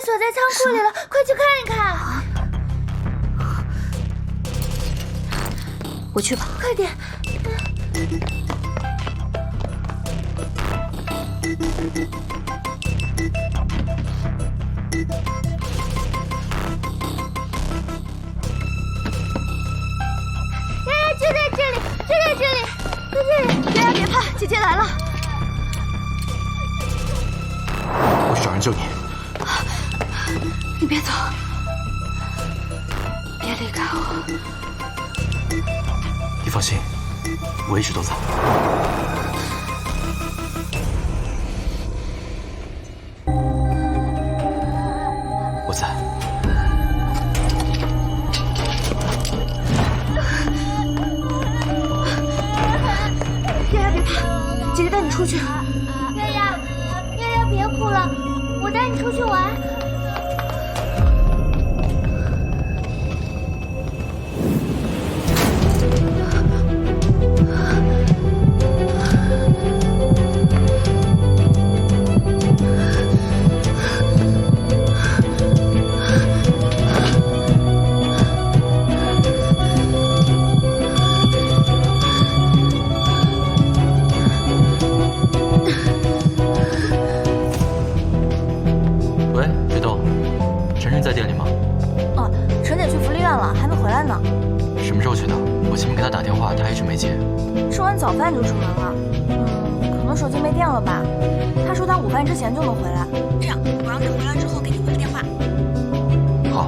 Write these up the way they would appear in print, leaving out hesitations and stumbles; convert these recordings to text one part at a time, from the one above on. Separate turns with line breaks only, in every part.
锁在仓库里了，快去看一看。
我去吧，
快点。就在这里，在这里，
丫丫别怕，姐姐来了。
我去找人救你。
你别走，别离开我。
你放心，我一直都在。我在。
丫丫别怕，姐姐带你出去。
丫丫别哭了，我带你出去玩。
喂，水豆，晨晨在店里吗？
哦，陈姐去福利院了，还没回来呢。
什么时候去的？我前面给他打电话，他一直没接。
吃完早饭就出门了。可能手机没电了吧。他说他午饭之前就能回来。这样，我让他回来之后给你回个电话。
好。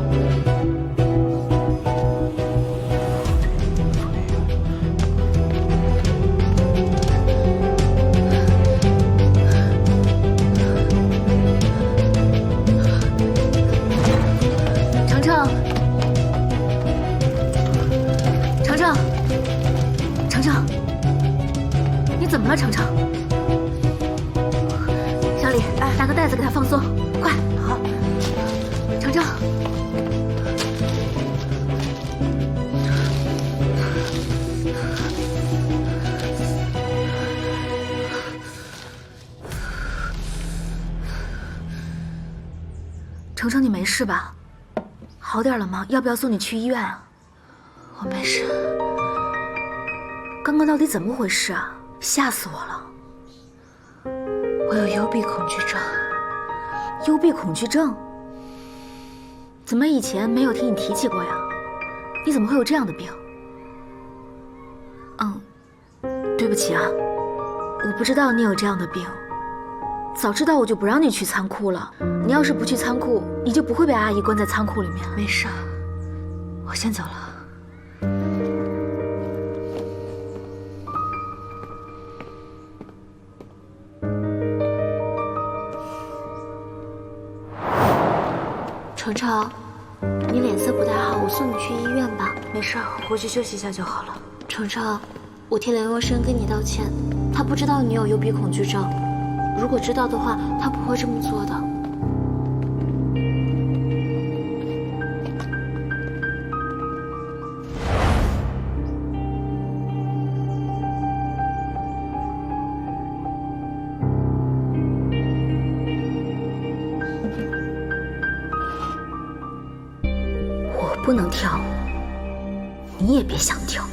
程，你怎么了，程程？小李，拿个袋子给他放松，快！好，程程。程程，你没事吧？好点了吗？要不要送你去医院啊？我没事。刚刚到底怎么回事啊？吓死我了！我有幽闭恐惧症。幽闭恐惧症？怎么以前没有听你提起过呀？你怎么会有这样的病？对不起啊，我不知道你有这样的病。早知道我就不让你去仓库了。你要是不去仓库，你就不会被阿姨关在仓库里面。没事，我先走了。程程，你脸色不太好，我送你去医院吧。没事，我回去休息一下就好了。程程，我替梁优生跟你道歉，他不知道你有幽闭恐惧症，如果知道的话，他不会这么做的。不能跳，你也别想跳。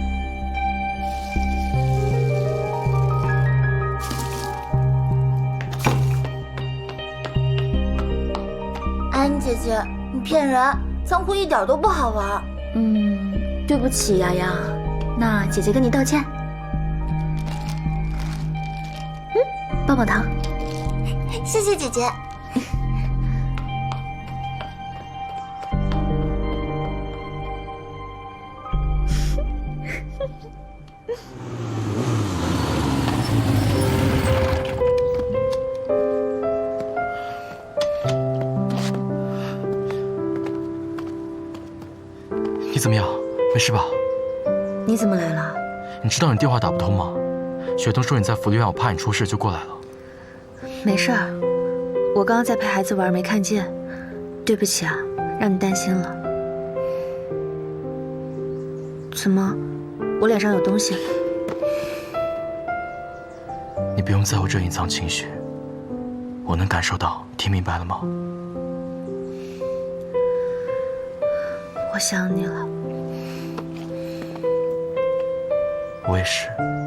安妮姐姐，你骗人，仓库一点都不好玩。
对不起，丫丫，那姐姐跟你道歉。棒棒糖，
谢谢姐姐。
你怎么样？没事吧？
你怎么来了？
你知道你电话打不通吗？雪冬说你在福利院，我怕你出事就过来了。
没事儿，我刚刚在陪孩子玩，没看见。对不起啊，让你担心了。怎么，我脸上有东西？
你不用在乎这隐藏情绪，我能感受到，听明白了吗？
我想你了。
我也是。